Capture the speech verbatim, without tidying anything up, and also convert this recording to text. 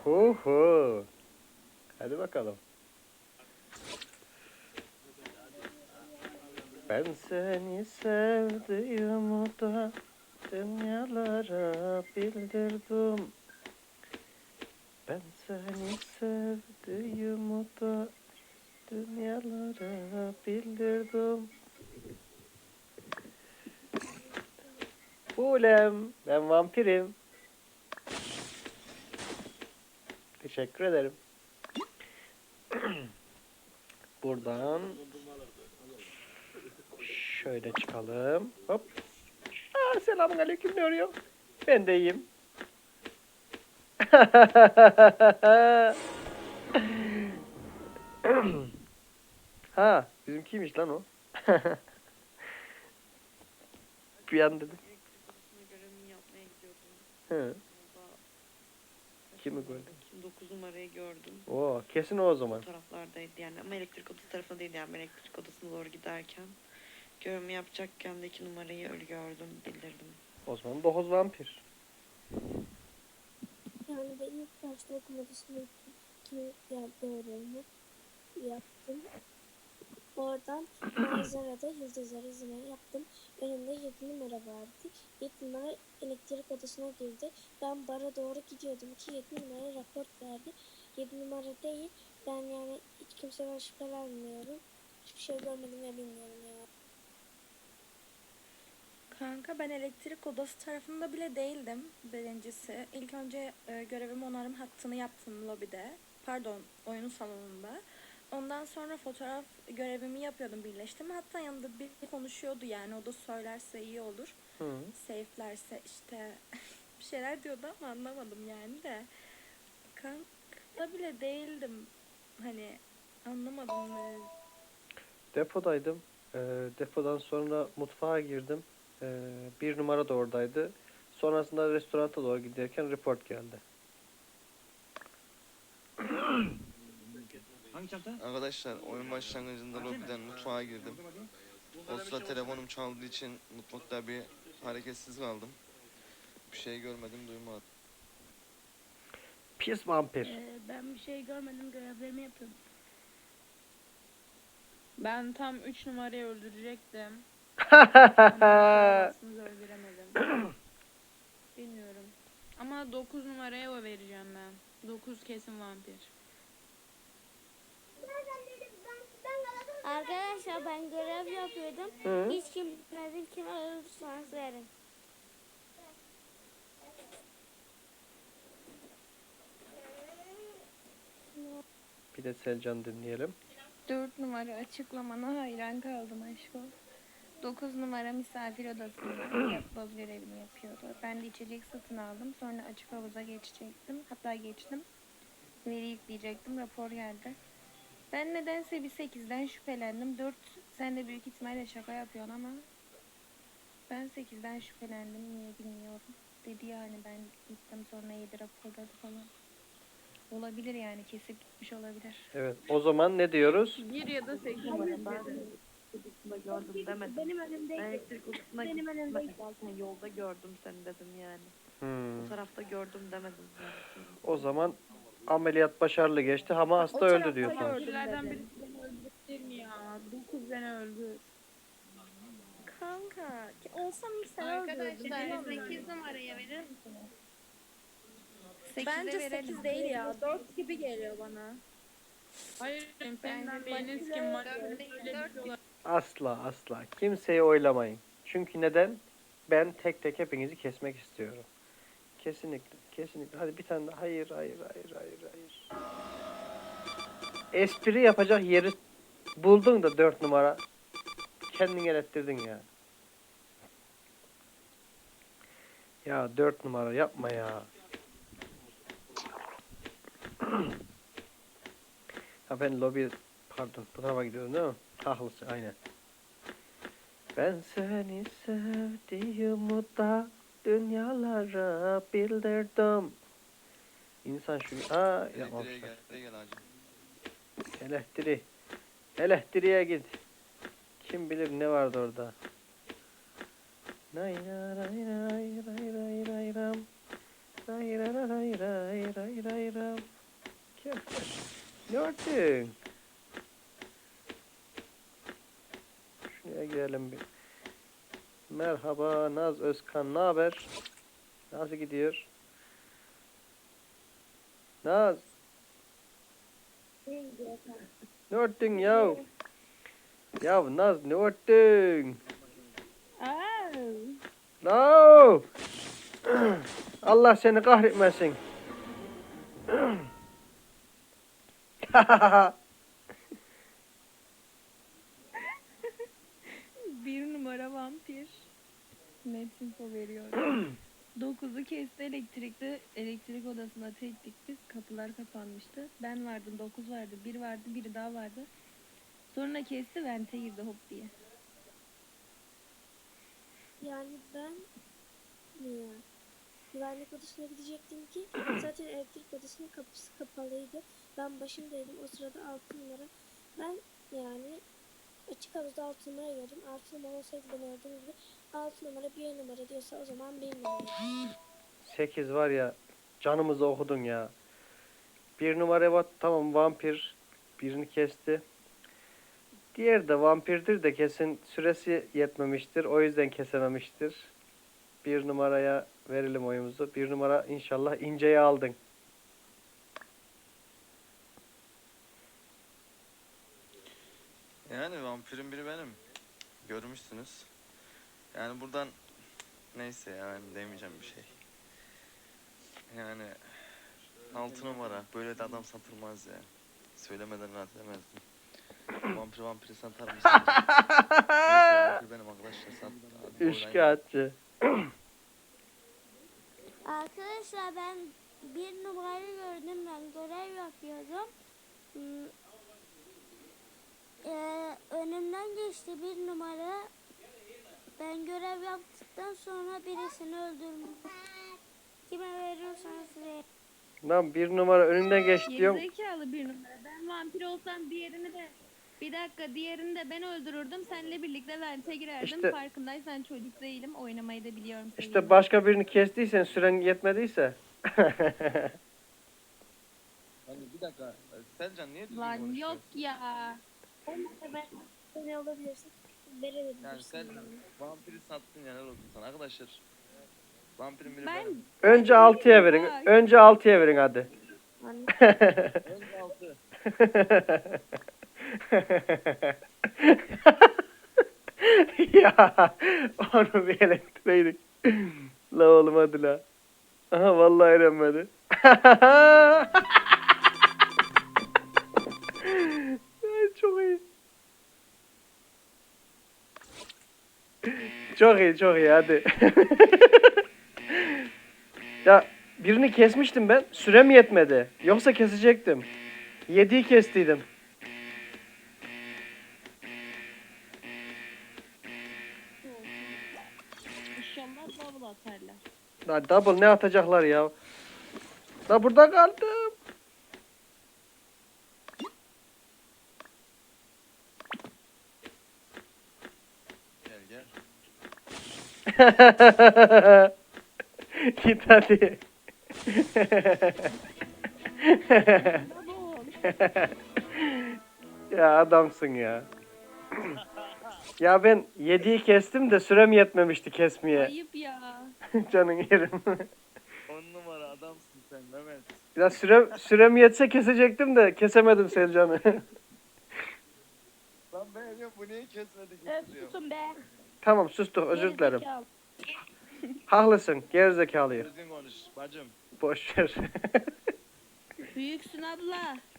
Hu hu. Hadi bakalım. Ben seni sevdiğimi da dünyalara bildirdim. Ben seni sevdiğimi da dünyalara bildirdim. Ulem, ben vampirim. Teşekkür ederim. Buradan şöyle çıkalım. Hop. Aa, selamun aleyküm, ne arıyor? Ben de iyiyim. Ha, bizimkiymiş lan o. Bir an dedim. Görevimi yapmaya gidiyordum. He. Orada Kimi gördün? dokuz numarayı gördüm. Oo, kesin o o zaman. O taraflardaydı yani ama elektrik odası tarafında değildi yani ben elektrik odasına doğru giderken görevimi yapacakken de iki numarayı ölü gördüm, bildirdim. O zaman dokuz vampir. Yani ben ilk başta okul odasına gittim. Ki yani görevimi yaptım. Oradan manzarada yıldızları izlemeyi yaptım. Önümde yedi numara vardı. yedi numara elektrik odasına girdi. Ben bara doğru gidiyordum ki yedi numara rapor verdi. yedi numara değil. Ben yani hiç kimseden şüphelenmiyorum. Hiçbir şey görmedim ve bilmiyorum yani. Kanka ben elektrik odası tarafında bile değildim birincisi. İlk önce e, görevim onarım hattını yaptım lobide. Pardon, oyun salonunda. Ondan sonra fotoğraf görevimi yapıyordum, birleştirme. Hatta yanında bir konuşuyordu yani, o da söylerse iyi olur. Hı. Safe'lerse işte bir şeyler diyordu ama anlamadım yani de. Kanka bile değildim. Hani anlamadım. Ne. Depodaydım. Ee, depodan sonra mutfağa girdim. Ee, bir numara da oradaydı. Sonrasında restorana doğru giderken report geldi. Hangi çanta? Arkadaşlar oyun başlangıcında lobiden mutfağa girdim. O sırada telefonum çaldığı için mutfakta bir hareketsiz kaldım. Bir şey görmedim, duymadım. Pis vampir. Ee, ben bir şey görmedim, görevlerimi yapıyordum. Ben tam üç numarayı öldürecektim. Ama öldüremedim. Bilmiyorum. Ama dokuz numaraya o vereceğim ben. dokuz kesin vampir. Arkadaşlar ben görev yapıyordum. Hı. Hiç kim bilmedi, kime ölürseniz verin. Bir de Selcan dinleyelim. dört numara açıklamana hayran kaldım aşkım. dokuz numara misafir odasında yapboz görevini yapıyordu. Ben de içecek satın aldım. Sonra açık havuza geçecektim. Hatta geçtim. Veri yükleyecektim. Rapor geldi. Ben nedense bir sekizden şüphelendim. dört sen de büyük ihtimalle şaka yapıyorsun ama ben sekizden şüphelendim. Niye bilmiyorum. Dedi yani, ben gittim sonra yedi rapor geldi falan. Olabilir yani, kesip gitmiş olabilir. Evet, o zaman ne diyoruz? bir ya da sekiz Ben numara. elektrik odasında gördüm demedim. Benim Ben önümdeydi. elektrik odasına Benim gittim. önümdeydi. Zaten yolda gördüm seni dedim yani. Hmm. O tarafta gördüm demedim zaten. O zaman ameliyat başarılı geçti ama hasta öldü diyorsunuz. Vampirlerden birisi beni öldürebilir mi ya? dokuz beni öldür. Kanka olsam ilk sen öldürürdün. Arkadaşlar sekiz numaraya verir misiniz? Bence verelim. sekiz değil ya. dört gibi geliyor bana. Hayır, senden biriniz kim var? dört değil, dört. Asla asla. Kimseyi oylamayın. Çünkü neden? Ben tek tek hepinizi kesmek istiyorum. Kesinlikle. Kesinlikle. Hadi bir tane daha. Hayır, hayır, hayır, hayır, hayır. Espri yapacak yeri buldun da dört numara. Kendin elettirdin ya. Ya dört numara yapma ya. Ha ben lobi pardon bu tarafa gidiyorum değil mi? Haklısın aynen. Ben seni sevdiğimi da dünyalara bildirdim. İnsan şu aa Elektriğe yapmamışlar. gel, elektriğe gel hacım. Elektrik. Elektriğe git. Kim bilir ne vardı orada. Nay ray ray ray ray ray ray ram. Ray ray ray ray ray ray ram. Ne ördün? Şuraya girelim bir. Merhaba Naz Özkan, ne haber? Nasıl gidiyor? Naz, ne ördün ya? Ya Naz, ne ördün? No! Allah seni kahretmesin. Bir numara vampir. Net info veriyor. Dokuzu kesti elektrikte. Elektrik odasına tektik biz. Kapılar kapanmıştı. Ben vardım. Dokuz vardı. Bir vardı. Biri daha vardı. Sonra kesti. Vente girdi hop diye. Yani ben ya, güvenlik odasına gidecektim ki zaten elektrik odasının kapısı kapalıydı. Ben başındaydım. O sırada altı numara. Ben yani açık havuzda altı numara gördüm. altı numara olsaydı ben gördüğüm gibi altı numara bir numara diyorsa o zaman bir numara. Sekiz var ya, canımızı okudun ya. Bir numara bak, tamam vampir. Birini kesti. Diğeri de vampirdir de kesin süresi yetmemiştir. O yüzden kesememiştir. Bir numaraya verelim oyumuzu. Bir numara inşallah inceyi aldın. Yani vampirin biri benim. Görmüşsünüz. Yani buradan neyse yani demeyeceğim bir şey. Yani altı numara böyle de adam satılmaz ya. Söylemeden rahat edemezdim. Vampir vampiri satar mısın? Neyse vampir benim arkadaşlar sat. Hadi oynayın. Üçkağıtçı. Arkadaşlar ben bir numarayı gördüm, ben görev yapıyordum. Hmm, eee, önümden geçti bir numara. Ben görev yaptıktan sonra birisini öldürdüm. Kime veriyorsanız verin. Lan bir numara önünden geç diyorum. Gerizekalı bir numara. Ben vampir olsam diğerini de bir dakika diğerini de ben öldürürdüm. Seninle birlikte vente girerdim. İşte- Farkındaysan çocuk değilim. Oynamayı da biliyorum. İşte seninle. başka birini kestiysen, süren yetmediyse. Hani bir dakika. Selcan niye düzgün Lan konuşuyor? yok ya. Olmazsa ben ne olabilirsin? Verebilirsin. Yani Selcan vampiri sattın ya, helal olsun sana arkadaşlar. Vampirin biri Ben benim. Önce altıya verin. Önce altıya verin hadi. Önce altı. Ya onu bir elektreydik. La oğlum hadi la. Aha vallahi eğlenmedi. Ay, çok iyi. Çok iyi çok iyi hadi. Ya birini kesmiştim ben. Sürem yetmedi. Yoksa kesecektim. Yediği kestiydim. İnşallah double atarlar. La double ne atacaklar ya? La burada kaldım. Gel gel. Git hadi. Ya adamsın ya. Ya ben yediği kestim de sürem yetmemişti kesmeye. Ayıp ya. Canın yerim. On numara adamsın sen Mehmet. Ya sürem, sürem yetse kesecektim de kesemedim Selcan'ı. Lan ben ya bu niye kesmedi Öf, getiriyor? susun be. Tamam sustuk özür dilerim. Gerizekalı. Haklısın gerizekalıyım. Düzgün konuş bacım. Boş ver. Büyüksün abla.